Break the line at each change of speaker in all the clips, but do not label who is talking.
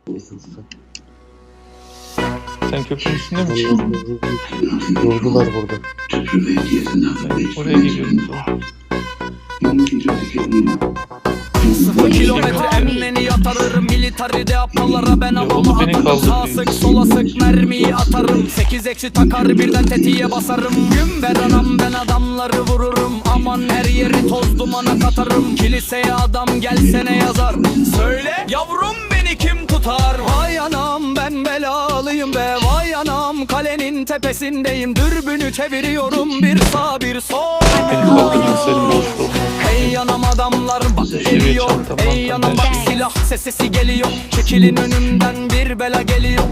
Sen köprünün üstünde misin?
Durdular burada.
Oraya geliyorum.
0 kilometre emmeni yatarırım. Militaride aptallara ben havama atarım. Sağ sık sola sık mermiyi atarım. 8 eksi takar birden tetiğe basarım. Gün ver anam ben adamları vururum. Aman her yeri toz dumana katarım. Kiliseye adam gelsene yazar. Söyle yavrum beni kim tutar? Vay anam ben belalıyım be. Vay anam kalenin tepesindeyim. Dürbünü çeviriyorum bir sağ bir sol. Hey anam adamlar bak geliyor. Ey anam bak silah sesi geliyor. Çekilin önümden bir bela geliyor.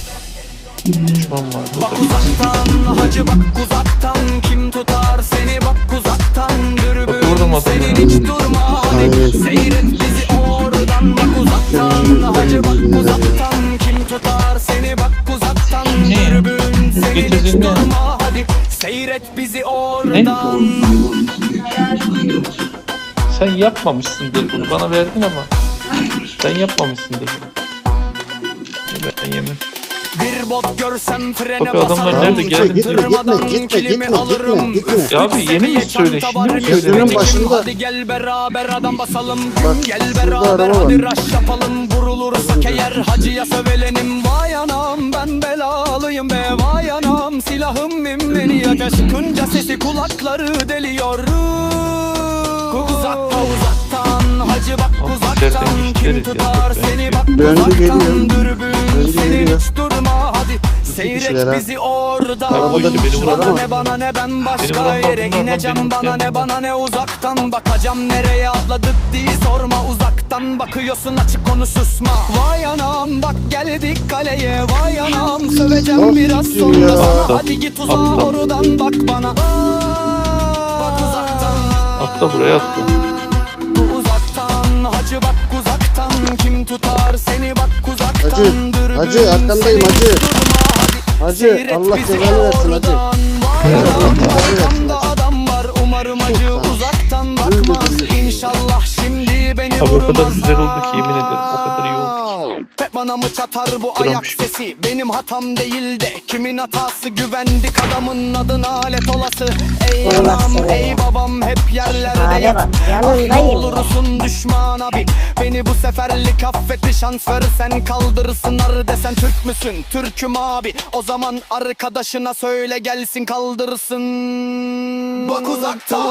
Bak uzaktan hacı bak uzaktan. Kim tutar seni bak uzaktan. Dürbün senin hiç durma hadi. Seyret bizi oradan bak uzaktan. Hacı bak uzaktan. Kim tutar seni bak uzaktan. Dürbün senin hiç durma hadi. Seyret bizi oradan.
Sen yapmamışsındır bunu. Bana verdin ama sen yapmamışsındır bunu. Ben yemem.
Bir bot görsem frene
Bak adamlar nerede geldi?
Gitme.
Ya abi yeni mi söyle? Şimdi mi söyle?
Gözünün başında.
Hadi gel beraber adam basalım.
Bak,
Gel
şurada
beraber
araba
hadi
var.
rush yapalım. Vurulursak eğer hacıya sövelenim. Vay anam ben belalıyım be. Vay anam silahım mimmeni yakar. Sıkınca sesi kulakları deliyor. Uzaktan hacı bak uzaktan. Kim tutar seni bak uzaktan. Dürbün senin hiç durma hadi. Seyret bizi oradan. Bana ne bana ne ben başka yere ineceğim. Bana ne bana ne uzaktan. Bakacağım nereye atladık diye sorma. Uzaktan bakıyorsun açık konu susma. Vay anam bak geldik kaleye. Vay anam söveceğim biraz sonra sana. Hadi git uzağa oradan bak bana. Bak uzaktan.
Atla buraya atla.
Uzaktan hacı bak uzaktan. Kim tutar seni bak uzaktan.
Hacı arkandayım hacı. Hacı Allah cezanı versin hacı.
Arkamda adam var umarım hacı uzaktan bakmaz. İnşallah şimdi beni
Abi
vurmaz.
o kadar güzel oldu ki yemin ederim o kadar iyi oldu.
Hep bana mı çatar bu ayak sesi? Benim hatam değil de kimin hatası? Güvendik adamın adına alet olası. Ey anam ey babam hep yerlerde yat. Ah olursun düşman abi. Beni bu seferlik affet şans versen kaldırırsın ar desen Türk müsün? Türk'üm abi. O zaman arkadaşına söyle gelsin kaldırsın. Bak uzaktan.